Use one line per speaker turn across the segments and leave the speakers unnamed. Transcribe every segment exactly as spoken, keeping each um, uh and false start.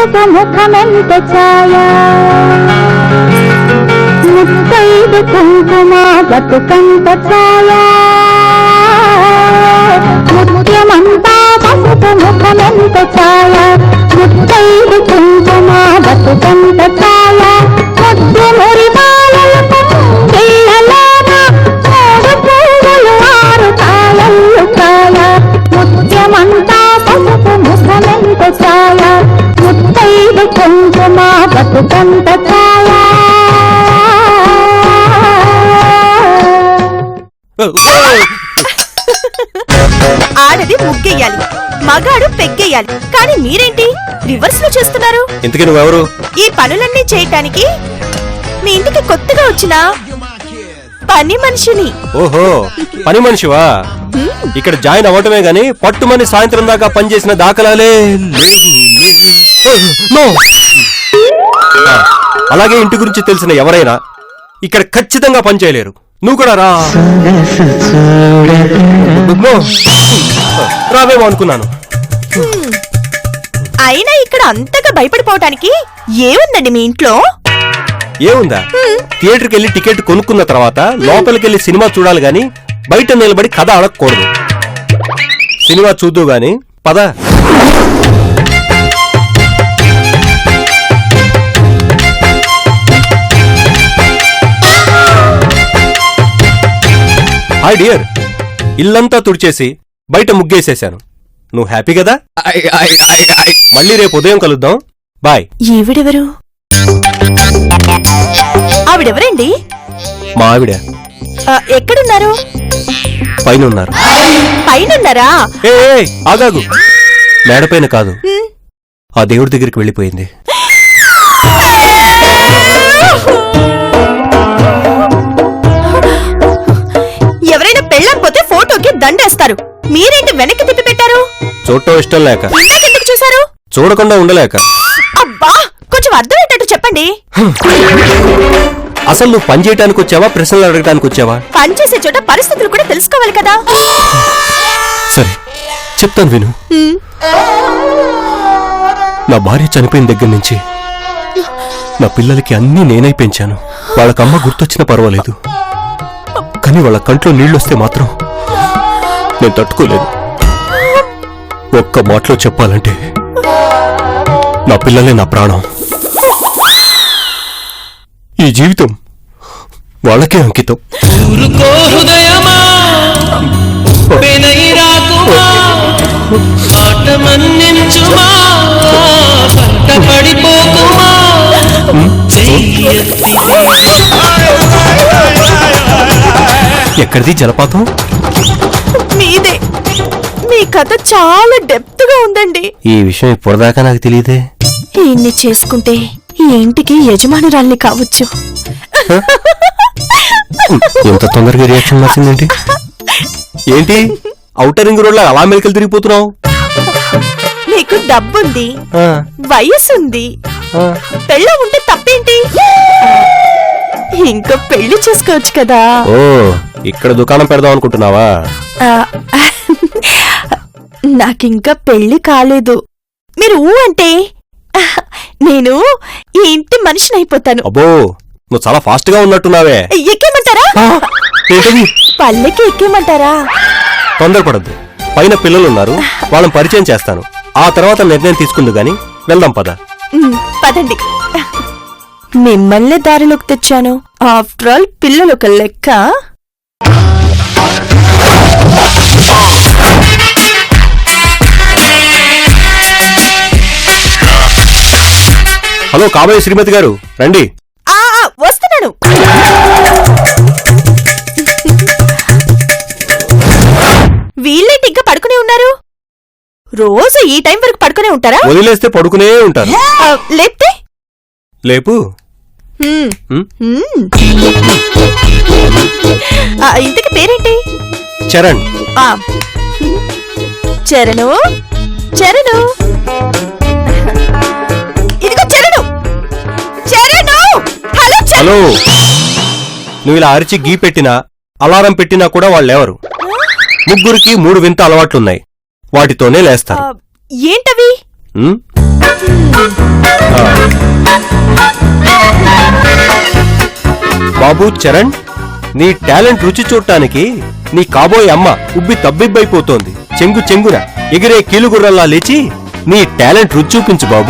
పసుపు ముఖమెంత ఛాయ ముత్తైదు కుంకుమ బతుకంత ఛాయ ముత్యమంతా పసుపు ముఖమెంత ఛాయ ముత్తైదు కుంకుమ బతుకంత ఛాయ ముద్దు మురిపాలలకు పిల్లలాన మూడు పువ్వులు ఆరు కాయలు కాయ ముత్యమంతా పసుపు ముఖమెంత ఛాయ ముత్తైదు కుంకుమ బతుకంత ఛాయ.
ఆడది ముగ్గెయ్యాలి, మగాడు పెగ్గెయ్యాలి, కానీ మీరేంటి రివర్స్ లో చేస్తున్నారు?
ఇంతకీ నువ్వెవరు?
ఈ పనులన్నీ చేయటానికి మీ ఇంటికి కొత్తగా వచ్చిన పని మనిషిని.
ఓహో, పని మనిషివా? ఇక్కడ జాయిన్ అవ్వటమే గాని పట్టుమని సాయంత్రం దాకా పనిచేసిన దాఖలాలే అలాగే ఇంటి గురించి తెలిసిన ఎవరైనా ఇక్కడ ఖచ్చితంగా పని చేయలేరు. నువ్వు కూడా రా రావేమో అనుకున్నాను.
అయినా ఇక్కడ అంతగా భయపడిపోవటానికి ఏముందండి మీ ఇంట్లో?
ఏముందా? థియేటర్కి వెళ్ళి టికెట్ కొనుక్కున్న తర్వాత లోపలికి వెళ్ళి సినిమా చూడాలి గాని బయట నిలబడి కథ అడగకూడదు. సినిమా చూద్దు గాని పద. హాయ్ డియర్, ఇల్లంతా తుడిచేసి బయట ముగ్గేసేశాను. నువ్వు హ్యాపీ కదా? మళ్ళీ రేపు ఉదయం కలుద్దాం. బాయ్.
ఈవిడెవరు? ఆవిడెవరండి?
మా ఆవిడ.
ఎక్కడున్నారు?
పైన ఉన్నారు.
పైనున్నారా?
ఏ ఆగాగు, మేడపైన కాదు, ఆ దేవుడి దగ్గరికి వెళ్ళిపోయింది.
ఎవరైనా పెళ్ళకపోతే ఫోటోకి దండేస్తారు, మీరేంటి వెనక్కి తిప్పి పెట్టారు?
చూడటం ఇష్టం లేక.
ఎందుకు చూసారు?
చూడకుండా ఉండలేక.
అబ్బా, కొంచెం అర్థమయ్యేటట్టు చెప్పండి.
అసలు నువ్వు పని చేయడానికి వచ్చావా, ప్రశ్నలు అడగడానికి వచ్చావా?
పని చేసే చోట పరిస్థితులు కూడా తెలుసుకోవాలి కదా.
సరే చెప్తాను విను. నా భార్య చనిపోయిన దగ్గర నుంచి నా పిల్లలకి అన్నీ నేనే పెంచాను. వాళ్ళకమ్మ గుర్తొచ్చినా పర్వాలేదు, కానీ వాళ్ళ కంట్లో నీళ్ళొస్తే మాత్రం నేను తట్టుకోలేదు. ఒక్క మాటలో చెప్పాలంటే నా పిల్లలే నా ప్రాణం. ఈ జీవితం వాళ్ళకే అంకితం. ఎక్కడిది జలపాతం?
మీదే. మీ కథ చాలా డెప్త్ గా ఉందండి.
ఈ విషయం ఇప్పటిదాకా నాకు తెలియదే.
ఈయన్ని చేసుకుంటే ఈ ఇంటికి యజమానురాల్ని కావచ్చు.
ఎంత తొందరగా రియాక్షన్ వచ్చిందేంటి? ఏంటి ఔటర్ రింగ్ రోడ్ లో అలా మెలికలు తిరిగిపోతున్నావు?
నీకు డబ్బుంది, వయసుంది, పెళ్ళ ఉంటే తప్పేంటి? ఇంకా పెళ్లి చేసుకోవచ్చు కదా.
ఓ, ఇక్కడ దుకాణం పెడదాం అనుకుంటున్నావా?
నాకింకా పెళ్లి కాలేదు. మీరు ఊ అంటే నేను ఈ ఇంటి మనిషిని అయిపోతాను.
అబ్బో, నువ్వు చాలా ఫాస్ట్ గా ఉన్నట్టున్నావే.
ఎక్కేమంటారా? పల్లెకి ఎక్కేమంటారా?
తొందరపడద్దు, పైన పిల్లలున్నారు, వాళ్ళని పరిచయం చేస్తాను. ఆ తర్వాత నిర్ణయం తీసుకుందు గాని వెళ్దాం పద.
పదండి. మిమ్మల్ని దారిలోకి తెచ్చాను. ఆఫ్టర్ ఆల్ పిల్లలు ఒక లెక్క.
హలో కాబోయే శ్రీమతి గారు, రండి.
వస్తున్నాను. వీళ్ళేంటి ఇంకా పడుకునే ఉన్నారు? రోజు ఈ టైం వరకు పడుకునే ఉంటారా?
వదిలేస్తే పడుకునే ఉంటారు.
లేపితే
లేపు.
ఇంతకి పేరేంటి?
చరణ్.
చరణు, చరణు, ఇదిగో చరణు, చరణు. Hello
hello. నువ్వు ఇలా అరిచి గీ పెట్టినా అలారం పెట్టినా కూడా వాళ్ళెవరు? ముగ్గురికి మూడు వింత అలవాట్లున్నాయి, వాటితోనే లేస్తారు.
ఏంటవి?
బాబు చరణ్, నీ టాలెంట్ రుచి చూడటానికి నీ కాబోయే అమ్మ ఉబ్బి తబ్బిబ్బైపోతోంది. చెంగు చెంగున ఎగిరే కీలుగుర్రల్లా లేచి నీ టాలెంట్ రుచి చూపించు బాబు.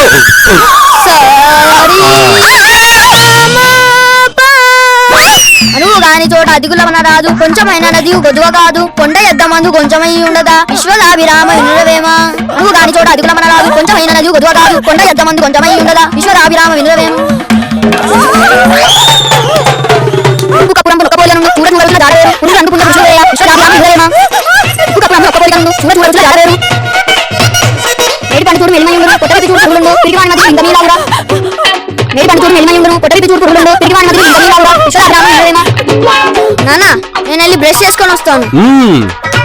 అనువు గాని చోట అదిగులమన రాదు, కొంచెమైనా నది గొదువ కాదు, కొండ ఎద్దమందు కొంచెమై ఉండదా విశ్వదాభిరామ వినురవేమ. అనువు గాని చోట అదిగులమన రాదు, కొంచెమైనా నది గొదువ కాదు, కొండ ఎద్దమందు కొంచెమై ఉండదా విశ్వదాభిరామ వినురవేమ. నానా, నేను వెళ్ళి బ్రష్ చేసుకొని వస్తాను.
మ్మ్.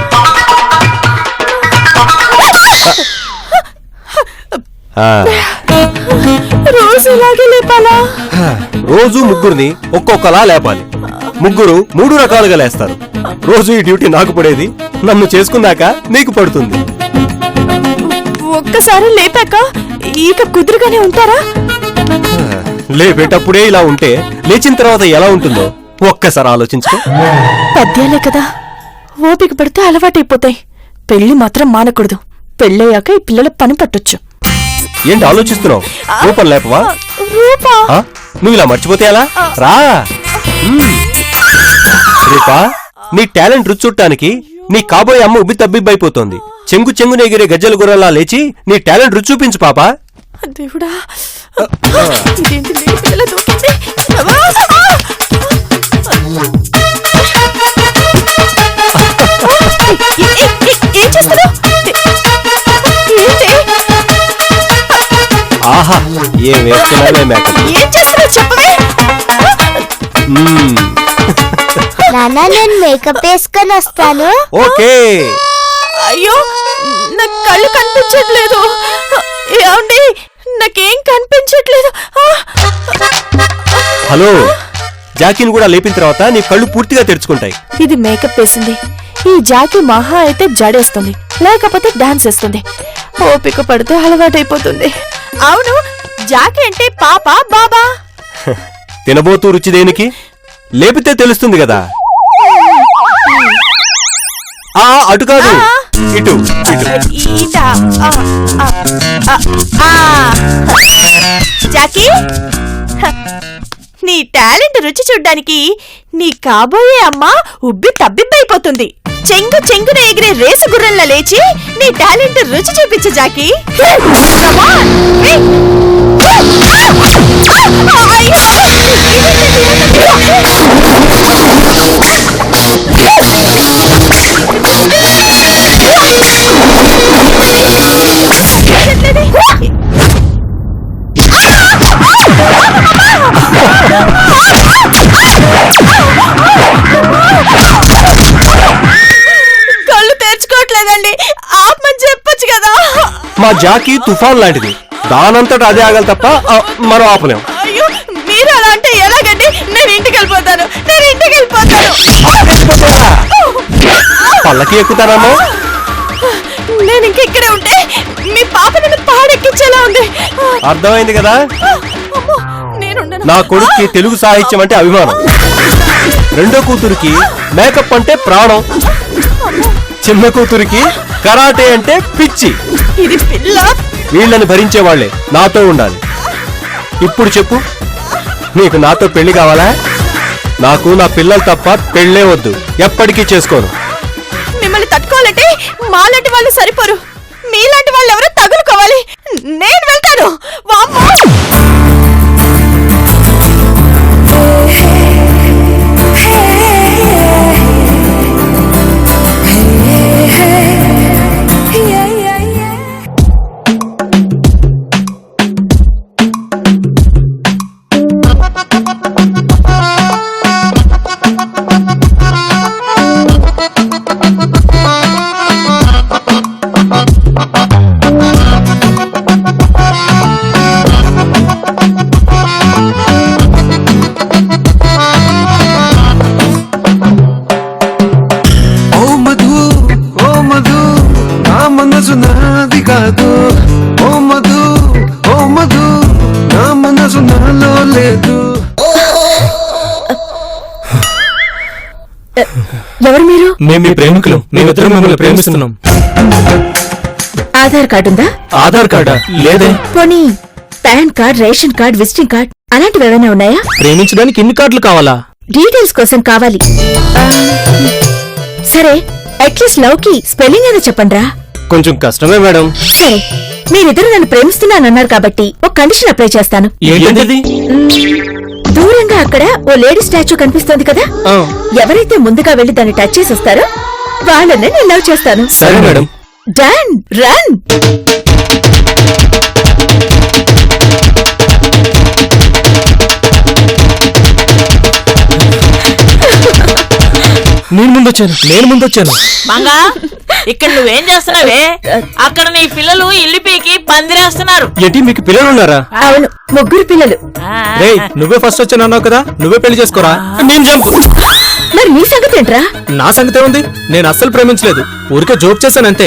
ఆ,
రోజు ఇలాగే లేపాలా?
రోజు ముగ్గురిని ఒక్కొక్కలా లేపాలి. ముగ్గురు మూడు రకాలుగా లేస్తారు. రోజు ఈ డ్యూటీ నాకు పడేది, నన్ను చేసుకున్నాక నీకు పడుతుంది.
ఒక్కసారి లేపాక ఇక కుదురుగానే ఉంటారా?
లేపేటప్పుడే ఇలా ఉంటే లేచిన తర్వాత ఎలా ఉంటుందో ఒక్కసారి ఆలోచించుకో.
పద్యాలే కదా, ఓపిక పడితే అలవాటైపోతాయి. పెళ్లి మాత్రం మానకూడదు. పెళ్ళయ్యాక ఈ పిల్లల పని పట్టొచ్చు.
ఏంటి ఆలోచిస్తున్నావు? రూపం లేపవా?
రూపా?
ఆ? నువ్వు ఇలా మర్చిపోతే ఎలా? రా. మ్మ్. రూపా, నీ టాలెంట్ రుచి చూడటానికి నీ కాబోయే అమ్మ ఉబ్బి తబ్బిబ్బైపోతోంది. చెంగు చెంగున ఎగిరే గజ్జల గుర్రలా లేచి నీ టాలెంట్ రుచి చూపించు పాపా.
దేవుడా, ఇదేంటి లేడి పిల్ల దూకింది? అబ్బా! ఏ- ఏ- ఏ- ఏం చేస్తున్నావ్? ఏంటి?
ఆహా, ఏం వేస్తున్నావే మేకప్.
ఏం చేస్తున్నావు చెప్పవే.
మ్మ్.
నాన్న, నేను మేకప్ వేసుకొని వస్తాను.
ఓకే.
అయ్యో, నా కళ్ళు కనిపించట్లేదు. ఏమండి, నాకేం కనిపించట్లేదు. ఆ!
హలో, జాకీని కూడా లేపిన తర్వాత నీ కళ్ళు పూర్తిగా తెరుచుకుంటాయి.
ఇది మేకప్ వేసింది. ఈ జాకీ మహా అయితే జడేస్తుంది, లేకపోతే డాన్స్ వేస్తుంది. ఓపిక పడితే అలవాటైపోతుంది. అవును, జాకీ అంటే పాప బాబా?
తినబోతూ రుచి దేనికి? లేపితే తెలుస్తుంది కదా. ఆ అటు కాదు, ఇటు ఇటు.
ఈటా. ఆ, ఆ, ఆ, ఆ. జాకీ, హ, నీ టాలెంట్ రుచి చూడ్డానికి నీ కాబోయే అమ్మ ఉబ్బి తబ్బిబ్బైపోతుంది. చెంగు చెంగున ఎగిరే రేసు గుర్రంలా లేచి నీ టాలెంట్ రుచి చూపించు జాకీ. Come on, hey. అయ్యో! కళ్ళు తెరుచుకోవట్లేదండి, ఆపమని చెప్పొచ్చు కదా.
మా జాకీ తుఫాన్ లాంటిది, దానంతట అదే ఆగలి తప్ప ఆ, మనం ఆపలేం.
అయ్యో, మీరు అలా అంటే ఎలాగండి? నేను ఇంటికి వెళ్ళిపోతాను, నేను ఇంటికి వెళ్ళిపోతాను.
పల్లకి ఎక్కుతానమ్మా.
నేను ఇంక ఇక్కడే ఉంటే మీ పాప నన్ను పాడెక్కించేలా ఉంది.
అర్థమైంది కదా.
అమ్మో, నేనుండను.
నా కొడుక్కి తెలుగు సాహిత్యం అంటే అభిమానం, రెండో కూతురికి మేకప్ అంటే ప్రాణం, చిన్న కూతురికి కరాటే అంటే పిచ్చి.
ఇది పిల్ల.
వీళ్ళని భరించేవాళ్లే నాతో ఉండాలి. ఇప్పుడు చెప్పు, నీకు నాతో పెళ్లి కావాలా? నాకు నా పిల్లలు తప్ప పెళ్ళే వద్దు, ఎప్పటికీ చేసుకోను.
మిమ్మల్ని తట్టుకోవాలంటే మాలాంటి వాళ్ళు సరిపోరు, మీలాంటి వాళ్ళు ఎవరో తగులుకోవాలి. నేను వెళ్తాను. వామ్మో!
మనసు నాది కాదు ఓ మధు మీరిద్దరు
మేము మీ ప్రేమికులు మేమిద్దరం మిమ్మల్ని ప్రేమిస్తున్నాం.
ఆధార్ కార్డు ఉందా?
ఆధార్ కార్డా? లేదే.
పోనీ PAN card, ration card, visiting card అలాంటివి ఏమైనా ఉన్నాయా?
ప్రేమించడానికి ఇన్ని కార్డులు కావాలా?
డీటెయిల్స్ కోసం కావాలి. ఆ, సరే అట్లీస్ట్ లవ్ కి స్పెల్లింగ్ అయినా చెప్పండ్రా.
కొంచెం కష్టమే మేడం.
సరే మీరిద్దరు నన్ను ప్రేమిస్తున్నానన్నారు కాబట్టి ఒక కండిషన్ అప్లై చేస్తాను.
ఏంటది?
దూరంగా అక్కడ ఓ లేడీ స్టాచ్యూ కనిపిస్తోంది కదా,
ఆ.
ఎవరైతే ముందుగా వెళ్లి దాన్ని టచ్ చేసి వస్తారో వాళ్ళనే నేను లవ్ చేస్తాను.
సరే మేడం.
Done, run.
నేను ముందొచ్చాను నేను ముందొచ్చాను
మంగా ఇక్కడ నువ్వేం చేస్తున్నావే? అక్కడ నీ పిల్లలు ఇల్లు పీకి పందిరేస్తున్నారు.
ఏంటి మీకు పిల్లలు ఉన్నారా?
అవును, ముగ్గురు పిల్లలు.
రేయ్ నువ్వే ఫస్ట్ వచ్చాను అన్నావు కదా, నువ్వే పెళ్లి చేసుకోరా. నేను జంపు.
మరి నీ సంగతి ఏంట్రా?
నా సంగతే ఉంది, నేను అస్సలు ప్రేమించలేదు, ఊరికే జోక్ చేశానంతే.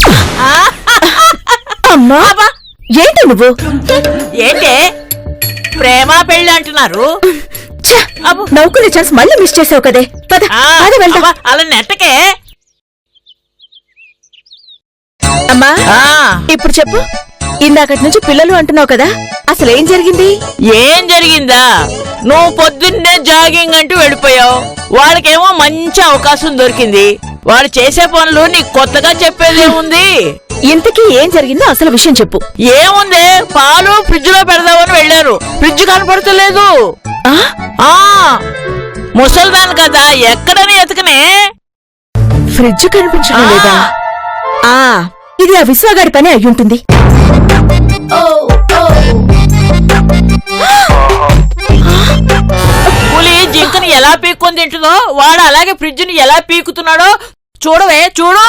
అమ్మా ఏంటి నువ్వు?
ఏంటే ప్రేమ పెళ్లి అంటున్నారు?
ఛ, నవ్వుకునే ఛాన్స్ మళ్ళీ మిస్ చేసావు కదే. పద
ఆ,
పద వెళ్దాం.
అబ్బా, అలా నెట్టకే.
అమ్మా
ఆ,
ఇప్పుడు చెప్పు, ఇందాకటి నుంచి పిల్లలు అంటున్నావు కదా, అసలు ఏం జరిగింది?
ఏం జరిగిందా? నువ్వు పొద్దున్నే జాగింగ్ అంటూ వెళ్ళిపోయావు. వాళ్ళకేమో మంచి అవకాశం దొరికింది. వాళ్ళు చేసే పనులు నీకు కొత్తగా చెప్పేదేముంది?
ఇంతకీ ఏం జరిగిందో అసలు విషయం చెప్పు.
ఏముంది, పాలు ఫ్రిడ్జ్ లో పెడదామని వెళ్ళారు, ఫ్రిడ్జ్ కనపడతలేదు.
ఆ?
ఆ ముసల్దాన్ కదా, ఎక్కడని ఎతకనే.
ఫ్రిడ్జ్ కనిపించడం లేదా? ఆ ఇది ఆ విశ్వగాడి పని అయ్యుంటుంది.
పులి జింకని ఎలా పీక్కొని తింటుందో వాడు అలాగే ఫ్రిడ్జ్ ని ఎలా పీకుతున్నాడో చూడవే, చూడు.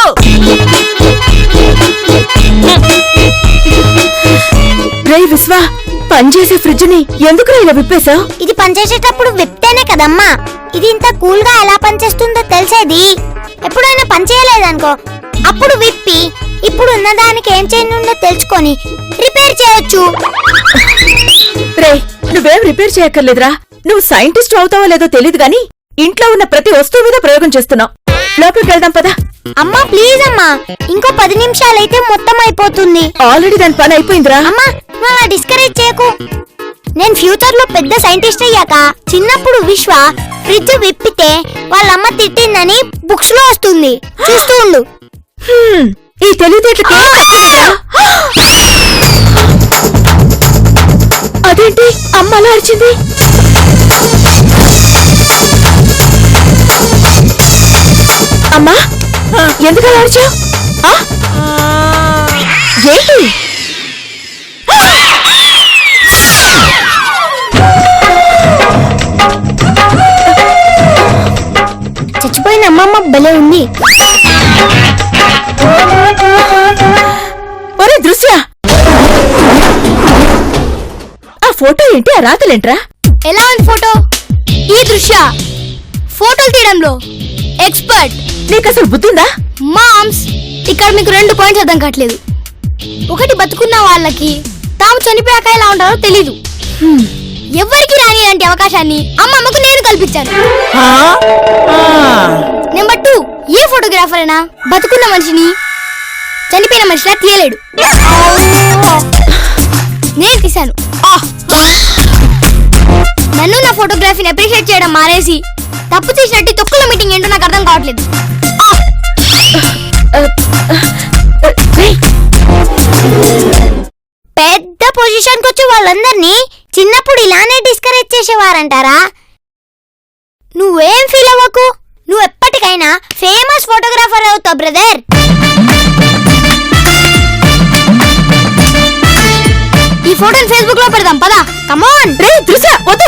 రే విశ్వ, పనిచేసే ఫ్రిడ్జ్ ని ఎందుకు ఇలా విప్పేశావు?
ఇది పనిచేసేటప్పుడు విప్తేనే కదమ్మా ఇది ఇంత కూల్ గా ఎలా పనిచేస్తుందో తెలిసేది. ఎప్పుడైనా పని చేయలేదనుకో, అప్పుడు విప్పి ఇప్పుడు ఉన్న దానికి ఏం చేయనుందో తెలుసుకొని రిపేర్ చేయొచ్చు.
రే నువ్వేం రిపేర్ చేయక్కర్లేదురా. నువ్వు సైంటిస్ట్ అవుతావో లేదో తెలియదు గాని ఇంట్లో ఉన్న ప్రతి వస్తువు మీద ప్రయోగం చేస్తున్నావు. లోపలికి వెళ్దాం పదా.
అమ్మా ప్లీజ్ అమ్మా, ఇంకో పది నిమిషాలైతే మొత్తం అయిపోతుంది.
ఆల్రెడీ దాని పని అయిపోయిందిరా.
అమ్మా నువ్వు అలా డిస్కరేజ్ చేయకు. నేను ఫ్యూచర్ లో పెద్ద సైంటిస్ట్ అయ్యాక చిన్నప్పుడు విశ్వ ఫ్రిడ్జ్ విప్పితే వాళ్ళమ్మ తిట్టిందని బుక్స్ లో వస్తుంది, చూస్తూ ఉండు.
హ్మ్, ఈ తెలివితేటలకి అదేంటి అమ్మ అలా అరిచింది? అమ్మా ఎందుకు అలా అరిచావు? ఏంటి?
చచ్చిపోయిన అమ్మమ్మ భలే ఉంది.
ఒరే దృశ్య, ఆ ఫోటో ఏంటి, ఆ రాతలేంట్రా?
ఎలా ఉంది ఫోటో? ఈ దృశ్య ఫోటోలు తీయడంలో ఎక్స్పర్ట్.
నీకు అసలు బుద్ధిందా?
మామ్స్, ఇక్కడ మీకు రెండు పాయింట్స్ అర్థం కావట్లేదు. ఒకటి, బతుకున్న వాళ్ళకి తాము చనిపోయాక ఎలా ఉంటారో తెలీదు. ఎవరికి రాని ఇలాంటి అవకాశాన్ని అమ్మమ్మకు నేను కల్పించాను.
ఆ? ఆ.
నెంబర్ టూ, ఏ ఫోటోగ్రాఫర్ అయినా బతుకున్న మనిషిని చనిపోయిన మనిషిలా తీయలేడు. నేను తీశాను. నన్ను నా ఫోటోగ్రఫీని అప్రిషియేట్ చేయడం మానేసి తప్పు చేసినట్టు తొక్కుల మీటింగ్ ఏంటో నాకు అర్థం కావట్లేదు. పెద్ద పొజిషన్ కి వచ్చి వాళ్ళందరినీ చిన్నప్పుడు ఇలానే డిస్కరేజ్ చేసేవారంటారా? నువ్వేం ఫీల్ అవ్వకు, నువ్వు ఎప్పటికైనా ఫేమస్ ఫోటోగ్రాఫర్ అవుతావు బ్రదర్. ఈ ఫోటోని ఫేస్బుక్ లో పెడదాం పదా. కమాన్.
రే దృశ్య వద్దు.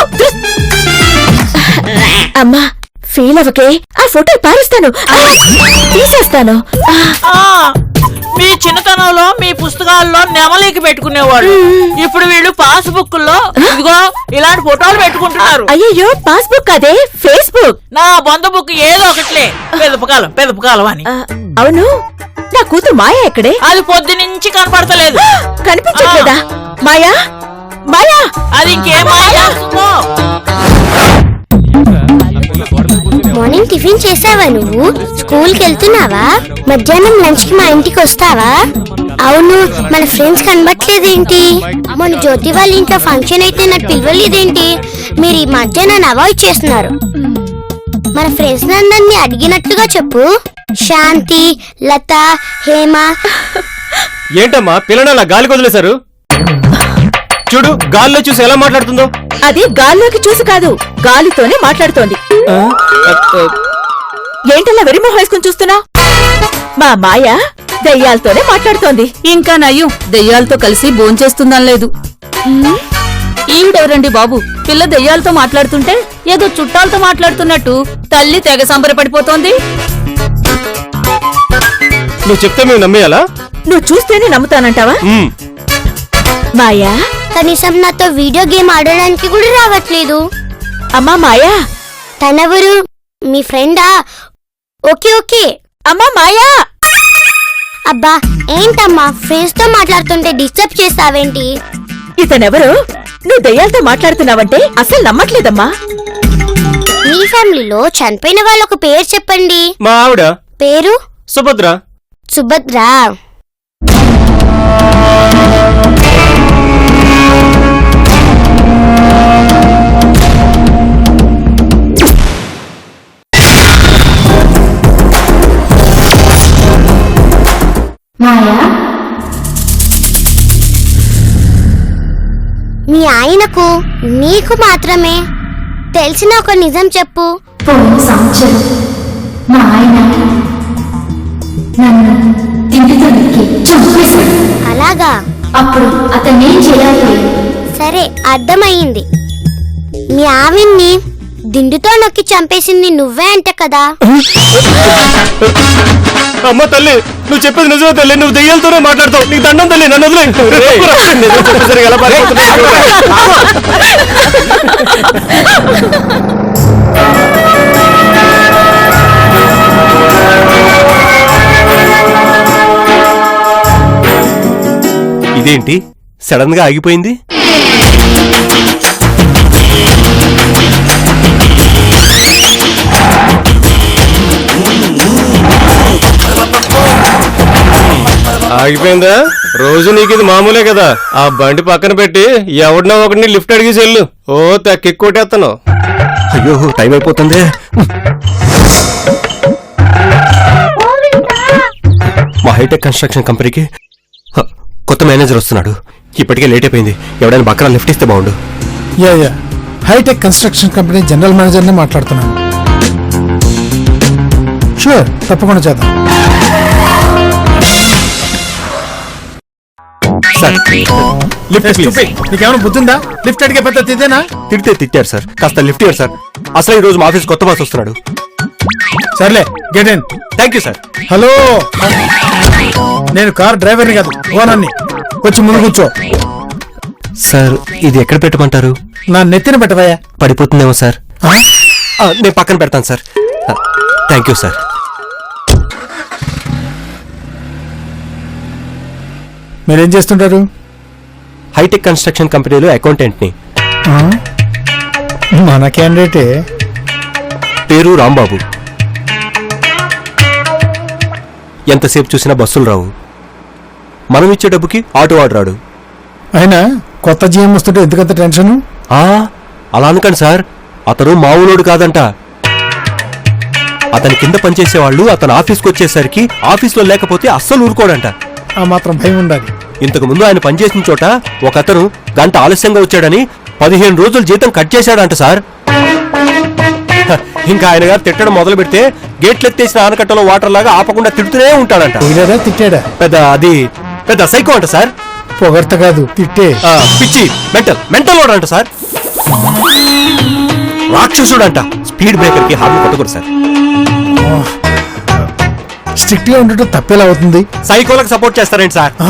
అమ్మా ఫీల్ అవ్వకే, ఆ ఫోటో పారేస్తాను, తీసేస్తాను.
ఆ, మీ చిన్నతనంలో మీ పుస్తకాల్లో నెమలికి పెట్టుకునేవాళ్ళు. ఇప్పుడు వీళ్ళు పాస్ బుక్ లో ఇదిగో ఇలాంటి ఫోటోలు పెట్టుకుంటున్నారు.
అయ్యయ్యో పాస్బుక్ అదే ఫేస్బుక్.
నా బొంద బుక్ ఏదో ఒకట్లే, పెదపకాలం పెదపకాలం అని.
ఆ, అవును నా కూతురు మాయా ఎక్కడే?
అది పొద్దు నుంచి కనపడతలేదు.
కనిపించట్లేదా? మాయా మాయా,
అది ఇంకేమో చేస్తుందో.
మార్నింగ్ టిఫిన్ చేసావా నువ్వు? స్కూల్ కి వెళ్తున్నావా? మధ్యాహ్నం లంచ్ కి మా ఇంటికి వస్తావా? అవును, మన ఫ్రెండ్స్ కనబట్లేదేంటి? మన జ్యోతి వాళ్ళ ఇంట్లో ఫంక్షన్ అయితే నాకు పిలవలేదేంటి? మీరు ఈ మధ్య నన్ను అవాయిడ్ చేస్తున్నారు. మన ఫ్రెండ్స్ అందరినీ అడిగినట్టుగా చెప్పు. శాంతి, లత, హేమ.
ఏంటమ్మా పిల్లని అలా గాలి వదిలేశారు? చూడు గాల్లో చూసి ఎలా మాట్లాడుతుందో.
అది గాల్లోకి చూసి కాదు, గాలితోనే మాట్లాడుతోంది. ఏంటలా వెరిమో వేసుకుని చూస్తున్నా? మా మాయ దెయ్యాలతోనే మాట్లాడుతోంది.
ఇంకా నయ్యం దెయ్యాలతో కలిసి భోంచేస్తుందని లేదు. ఈవిడెవరండి బాబు? పిల్ల దెయ్యాలతో మాట్లాడుతుంటే ఏదో చుట్టాలతో మాట్లాడుతున్నట్టు తల్లి తెగ సంబరపడిపోతోంది.
నువ్వు చెప్తే మేము నమ్మేయాలా?
నువ్వు చూస్తేనే నమ్ముతానంటావా?
ఉమ్.
మాయా,
కనీసం నాతో వీడియో గేమ్ ఆడడానికి కూడా రావట్లేదు.
అమ్మా మాయా.
తనెవరు? మీ ఫ్రెండా? Okay okay.
అమ్మా మాయా.
అబ్బా ఏంటమ్మా ఫ్రెండ్స్ తో మాట్లాడుతుంటే డిస్టర్బ్ చేస్తావేంటి?
ఇతనెవరు? నువ్వు దెయ్యాలతో మాట్లాడుతున్నావంటే అసలు నమ్మట్లేదమ్మా.
మీ ఫ్యామిలీలో చనిపోయిన వాళ్ళ ఒక పేరు చెప్పండి.
మా ఆవిడ
పేరు?
సుభద్ర.
సుభద్ర. మీ ఆయనకు నీకు మాత్రమే తెలిసిన ఒక నిజం చెప్పు.
పోయిన సంవత్సరం మా ఆయన నన్ను తిండితో నరికి చంపేశాడు.
అలాగా?
అప్పుడు అతన్నేం చేయాలి?
సరే అర్థమయ్యింది. మీ ఆవిడ్ని దిండుతో నొక్కి చంపేసింది నువ్వే అంట కదా?
అమ్మ తల్లి, నువ్వు చెప్పేది నిజమే తల్లి. నువ్వు దెయ్యాలతోనే మాట్లాడతావు. నీకు దండం తల్లి, నన్ను వదిలేయ్. నిజం చెప్పేసరికి ఎలా పారిపోతున్నావు? ఇదేంటి సడన్ గా ఆగిపోయింది? ఆగిపోయిందా? రోజు నీకు ఇది మామూలే కదా. ఆ బండి పక్కన పెట్టి ఎవడినో ఒకటిని లిఫ్ట్ అడిగి చెల్లు. ఓ తెక్కెక్కొట్టేస్తాను. అయ్యో టైం అయిపోతుంది. మా హైటెక్ కన్స్ట్రక్షన్ కంపెనీకి హ, కొత్త మేనేజర్ వస్తున్నాడు. ఇప్పటికే లేట్ అయిపోయింది. ఎవడైనా బక్కన లిఫ్ట్ ఇస్తే బాగుండు.
Yeah yeah hitech construction company general మేనేజర్నే మాట్లాడుతున్నాను. షూర్, తప్పకుండా చేద్దాం.
Sir lift please.
నీకేమైనా బుద్ధిందా? లిఫ్ట్ అడిగే పెద్ద తిదేనా?
తిడితే తిట్టారు సార్. కాస్త లిఫ్ట్ ఇవ్వండి సార్. అసలు ఈ రోజు మా ఆఫీస్ కొత్త బాస్ వస్తున్నాడు.
సర్లే, get in.
Thank you sir.
Hello, నేను కార్ డ్రైవర్ని కాదు, ఓనర్ని. వచ్చి ముందు కూర్చో.
సార్ ఇది ఎక్కడ పెట్టమంటారు?
నా నెత్తిన పెట్టవయ్యా.
పడిపోతుందేమో సార్.
ఆ?
ఆ, నేను పక్కన పెడతాను సార్. Thank you sir.
మీరేం చేస్తుంటారు?
హైటెక్ కన్స్ట్రక్షన్ కంపెనీలో అకౌంటెంట్ని.
ఆ? మన క్యాండిడేటే.
పేరు రాంబాబు. ఎంతసేపు చూసినా బస్సులు రావు. మనం ఇచ్చే డబ్బుకి ఆటో వాడు రాడు.
అయినా కొత్త జీఎం వస్తుంటే ఎందుకంత టెన్షన్?
ఆ, అలా అనకండి సార్. అతను మామూలోడు కాదంట. అతని కింద పనిచేసే వాళ్ళు అతను ఆఫీస్కి వచ్చేసరికి ఆఫీస్లో లేకపోతే అస్సలు ఊరుకోడంట.
ఆ మాత్రం భయం ఉండాలి.
ఇంతకు ముందు ఆయన పనిచేసిన చోట ఒక అతను గంట ఆలస్యంగా వచ్చాడని పదిహేను రోజులు జీతం కట్ చేశాడంట సార్. హ, ఇంకా ఆయన గారు తిట్టడం మొదలు పెడితే గేట్లెత్తేసిన ఆనకట్టలో వాటర్ లాగా ఆపకుండా తిడుతూనే ఉంటాడంట.
తిట్టాడా తిట్టాడా?
పెద్ద అది పెద్ద సైకో అంట సార్.
పొగర్త కాదు, తిట్టే.
ఆ, పిచ్చి మెంటల్ మెంటల్ వాడు అంట సార్. రాక్షసుడు అంట. స్పీడ్ బ్రేకర్ కి హార్న్ కొట్టకూడదు సార్.
స్ట్రిక్ట్ గా ఉండటం తప్పేలా అవుతుంది.
సైకోలకు సపోర్ట్ చేస్తారేంటి సార్?
ఆ?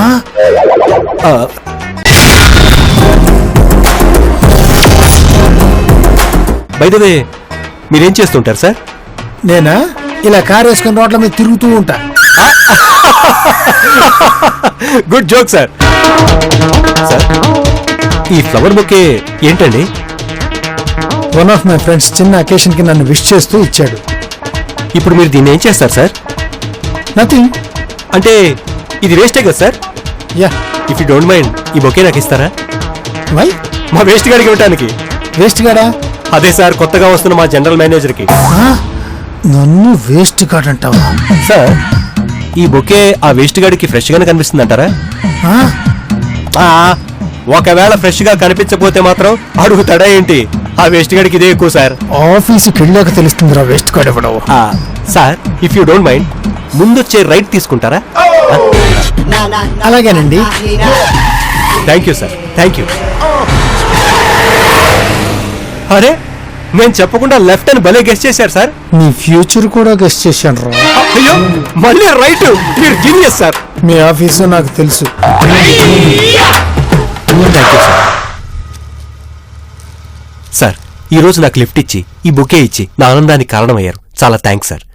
బై ద వే మీరేం చేస్తుంటారు సార్?
నేనా ఇలా కార్ వేసుకుని రోడ్ల మీద తిరుగుతూ ఉంటా.
Good joke sir. సార్ ఈ ఫ్లవర్ బొకే ఏంటండి?
వన్ ఆఫ్ మై ఫ్రెండ్స్ చిన్న అకేషన్ కి నన్ను విష్ చేస్తూ ఇచ్చాడు.
ఇప్పుడు మీరు దీన్ని ఏం చేస్తారు సార్?
నథింగ్.
అంటే ఇది వేస్టే కదా sir?
Yeah.
If you don't mind ఈ బొకే నాకు ఇస్తారా?
వై?
మా వేస్ట్ గాడికి ఇవ్వటానికి.
వేస్ట్ గాడా?
అదే సార్, కొత్తగా వస్తున్న మా జనరల్ మేనేజర్కి.
నన్ను వేస్ట్ గాడ్ అంటావా?
సార్, ఈ బొకే ఆ వేస్ట్ గాడికి ఫ్రెష్ గానే కనిపిస్తుంది అంటారా? ఒకవేళ ఫ్రెష్ గా కనిపించకపోతే మాత్రం అడుగుతాడా ఏంటి? ఆ వేస్ట్ గాడికి ఇదే ఎక్కువ సార్.
ఆఫీసుకి వెళ్ళాక తెలుస్తుందిరా వేస్ట్ గాడ్ ఇవ్వడవు.
Sir, if you don't mind ముందొచ్చే రైట్ తీసుకుంటారా?
అలాగేనండి.
Thank you sir, thank you. అరే, నేను చెప్పకుండా లెఫ్ట్ అని భలే గెస్ట్ చేశారు సార్.
నీ ఫ్యూచర్ కూడా గెస్ట్ చేశాను రా.
అయ్యో, మళ్ళీ రైట్. మీరు జీనియస్ సార్.
మీ ఆఫీసు నాకు తెలుసు.
సార్, ఈ రోజు నాకు లిఫ్ట్ ఇచ్చి ఈ బుకే ఇచ్చి నా ఆనందానికి కారణమయ్యారు. చాలా థ్యాంక్స్ సార్.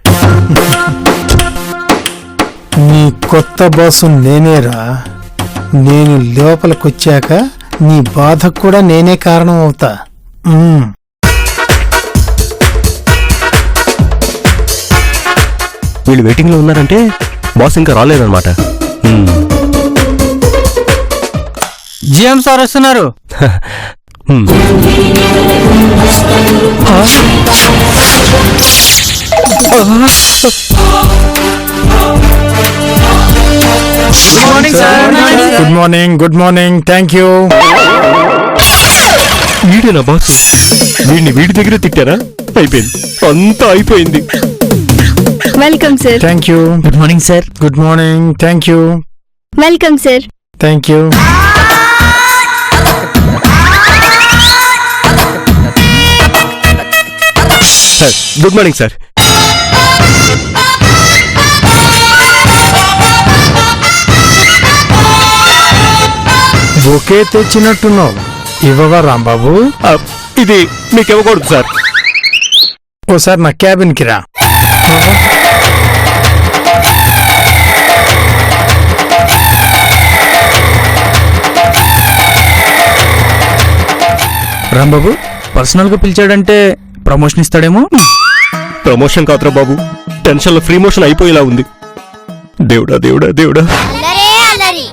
నీ కొత్త బాసు నేనేరా. నేను లోపలికొచ్చాక నీ బాధకు కూడా నేనే కారణం అవుతా. మ్మ్.
వీళ్ళు వెయిటింగ్ లో ఉన్నారంటే బాస్ ఇంకా రాలేదన్నమాట.
జిఎం సార్ వస్తున్నారు.
Hmm.
Good morning. Good morning. Thank you.
వీడేనా బాస్? వీడిని వీడి దగ్గర తిట్టారా? అయిపోయింది, అంతా అయిపోయింది.
Welcome sir.
Thank you.
Good morning sir.
Good morning. Thank you.
Welcome sir.
Thank you.
Sir, good morning sir.
Bouquet తెచ్చినట్టున్నావు. ఇవ్వవా రాంబాబు?
ఆ, ఇది మీకు ఇవ్వకూడదు సార్.
ఓసారి నా క్యాబిన్కి రా.
రాంబాబు పర్సనల్ గా పిలిచాడంటే ప్రమోషన్ ఇస్తాడేమో.
ప్రమోషన్ కాదురా బాబు, టెన్షన్ లో ఫ్రీ మోషన్ అయిపోయేలా ఉంది. దేవుడా దేవుడా దేవుడా.
అల్లరే అల్లరి